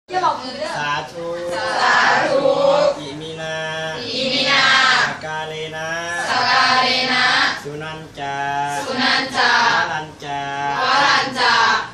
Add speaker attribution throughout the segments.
Speaker 1: จะบอกมือด้วย
Speaker 2: สาธุ
Speaker 1: สาธุ
Speaker 2: อิมินา
Speaker 1: อิมินา
Speaker 2: สกาเลนะ
Speaker 1: สกาเลนะ
Speaker 2: สุนันจา
Speaker 1: สุนันจาว
Speaker 2: รัญจา
Speaker 1: รัญจา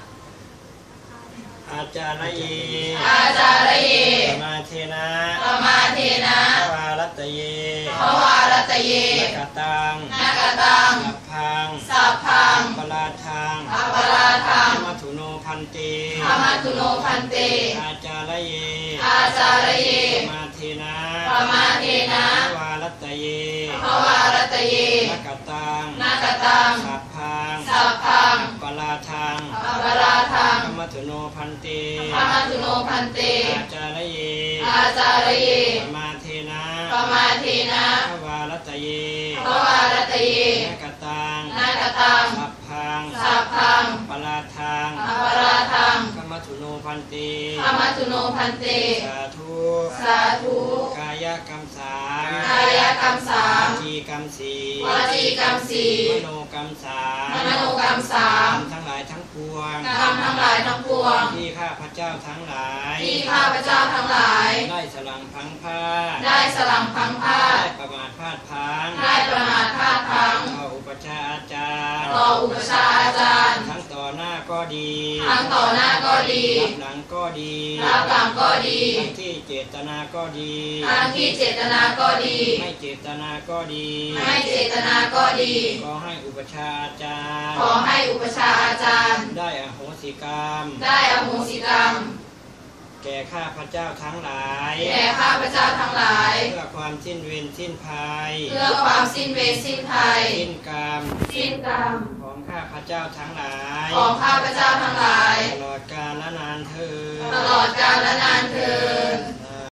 Speaker 2: อาจารย์เย
Speaker 1: อาจารย์เย
Speaker 2: ปมาเทนะ
Speaker 1: ปมาเทนะ
Speaker 2: ภวารัตเย
Speaker 1: ภวารัตเย
Speaker 2: นักตัง
Speaker 1: นักตัง
Speaker 2: สัพพัง
Speaker 1: สัพพัง
Speaker 2: ปราทัง
Speaker 1: ปราทัง
Speaker 2: มัทุโนพันเต
Speaker 1: มัทุโนพันเต
Speaker 2: อาจารย์เย
Speaker 1: อาจารย์เย
Speaker 2: ปมาเทนะ
Speaker 1: ปมาเทนะ
Speaker 2: ภวารัตเย
Speaker 1: ภวารัตเย
Speaker 2: นักตัง
Speaker 1: นักตัง
Speaker 2: สัพพัง
Speaker 1: สัพพัง
Speaker 2: ปราทัง
Speaker 1: ปราทัง
Speaker 2: มัทุโนพันเต
Speaker 1: มัทุโนพันเต
Speaker 2: อาจารย์เย
Speaker 1: อาจารย์เย
Speaker 2: ปมาเทนะ
Speaker 1: ปมาเทนะ
Speaker 2: ภวารัตเย
Speaker 1: ภวารัตเย
Speaker 2: นักตัง
Speaker 1: นักตัง
Speaker 2: สัพพัง
Speaker 1: สัพพัง
Speaker 2: ปราทัง
Speaker 1: ปราทัง
Speaker 2: มัทุโนพันเต
Speaker 1: มัทุโนพันเต
Speaker 2: สาธุ
Speaker 1: สาธุ
Speaker 2: กายกรรมสาม
Speaker 1: กายกรรมสาม
Speaker 2: วจีกรรมสี่
Speaker 1: วจีกรรมสี่
Speaker 2: มโนกรรมสาม
Speaker 1: มโนกรรมสาม
Speaker 2: ทั้งหลายทั้งปวง
Speaker 1: กรรมทั้งหลายทั้งปวง
Speaker 2: ที่ข้าพเจ้าทั้งหลาย
Speaker 1: ที่ข้าพเจ้าทั้งหลาย
Speaker 2: ได้สลังพังผ้า
Speaker 1: ได้สลังพังผ้า
Speaker 2: ได้ประมาทพลาดพัง
Speaker 1: ได้ประมาทพลาดพัง
Speaker 2: ต่ออุปชาอาจารย์
Speaker 1: ต่ออุปชาอาจารย์
Speaker 2: ทั้งต่อหน้าก็ดี
Speaker 1: ทั้งต่อหน้าก็ดี
Speaker 2: รับหลังก็ดี
Speaker 1: รับหลังก็ดี
Speaker 2: ทั้งที่เจตนาก็ดี
Speaker 1: ทั้งที่เจตนาก็ดี
Speaker 2: ไม่เจตนาก็ดี
Speaker 1: ไม่เจตนาก็ดี
Speaker 2: ขอให้อุปชาอาจารย์
Speaker 1: ขอให้อุปชาอาจารย์
Speaker 2: ได้อโหสิกรรม
Speaker 1: ได้อโหสิกรรม
Speaker 2: แก่ข้าพเจ้าทั้งหลาย
Speaker 1: แก่ข้าพเจ้าทั้งหลาย
Speaker 2: เพื่อความสิ้นเวรสิ้นภัย
Speaker 1: เพื่อความสิ้นเวรสิ้นภัย
Speaker 2: สิ้นกรรม
Speaker 1: สิ้นกรรม
Speaker 2: ของข้าพเจ้าทั้งหลาย
Speaker 1: ของข้าพเจ้าทั้งหลาย
Speaker 2: ตลอดกาลและนานเทอญ
Speaker 1: ตลอดกาลและนานเทอ